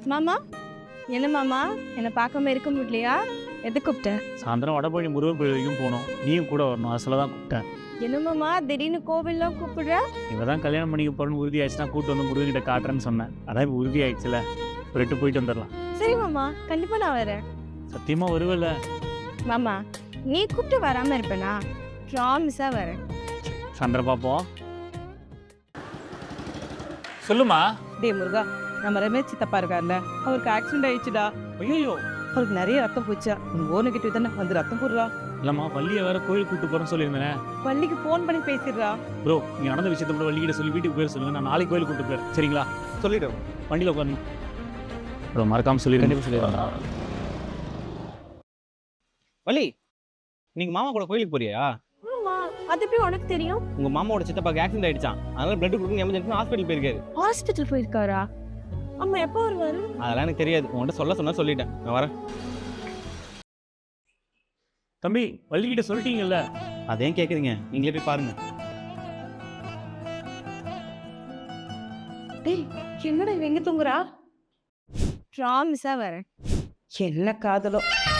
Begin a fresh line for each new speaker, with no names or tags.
மாமா என்ன மாமா என்னை பார்க்காம இருக்க முடியலையா? எது கூப்பிட்ட?
சாயந்தரம் வடபழனி முருகன் கோயில் வரைக்கும் போகணும், நீயும் கூட வரணும், அசல தான் கூப்பிட்டேன்.
என்ன மாமா திடீர்னு கோவில்லாம் கூப்பிடுற?
இவ தான் கல்யாணம் பண்ணிக்க போறேன்னு உறுதி ஆயிடுச்சுன்னா கூப்பிட்டு வந்து முருகன்கிட்ட காட்டுறேன்னு சொன்னேன். அதான் இப்போ உறுதி ஆயிடுச்சுல, ஒரு எட்டு போயிட்டு வந்துடலாம்.
சரி மாமா, கண்டிப்பா நான் வரேன்.
சத்தியமா வருவல்ல?
மாமா நீ கூப்பிட்டு வராம இருப்பேனா? ப்ராமிஸா வரேன்.
சாயந்தரம் பார்ப்போம். சொல்லுமா.
டே முருகா, நம்ம ரமேஷ் சித்தப்பா இருக்கார்ல, அவருக்கு ஆக்சிடென்ட் ஆயிடுச்சுடா.
ஐயோ,
அவருக்கு நிறைய ரத்தம் போச்சா. உங்க ஓன கிட்ட தானே வந்து ரத்தம் போடுறா.
இல்லம்மா, வள்ளியை வேற கோயில் கூப்பிட்டு போறேன்னு சொல்லியிருந்தேன்.
பள்ளிக்கு ஃபோன் பண்ணி பேசிடுறா.
ப்ரோ, நீ நடந்த விஷயத்த கூட வள்ளிக்கிட்ட சொல்லி வீட்டுக்கு போயிட சொல்லுங்க. நான் நாளைக்கு கோயில் கூப்பிட்டு போறேன், சரிங்களா?
சொல்லிடுறேன்.
வண்டியில் உட்காரணும் ப்ரோ, மறக்காம சொல்லிடுறேன்.
வள்ளி, நீங்க மாமா கூட கோயிலுக்கு போறியா?
ஆமா, அது எப்படி உனக்கு தெரியும்?
உங்க மாமாவோட சித்தப்பாக்கு ஆக்சிடென்ட் ஆயிடுச்சான், அதனால பிளட் கொடுக்கணும் எமர்ஜென்சி ஹாஸ்பிட்டல் போயிருக்காரு.
ஹாஸ்பிட்டல் போயிருக்காரா? அம்மா எப்போ வருவாரு?
அதெல்லாம் எனக்கு தெரியாது, உங்கள்கிட்ட சொன்னா சொல்லிட்டேன். நான் வரேன்.
தம்பி, வள்ளிக்கிட்ட சொல்லிட்டீங்கல்ல?
அதையும் கேட்குறீங்க, நீங்களே போய் பாருங்க.
டேய் என்னடா இவ எங்க தூங்குறா? ப்ராமிஸா வரேன்.
என்ன காதலோ.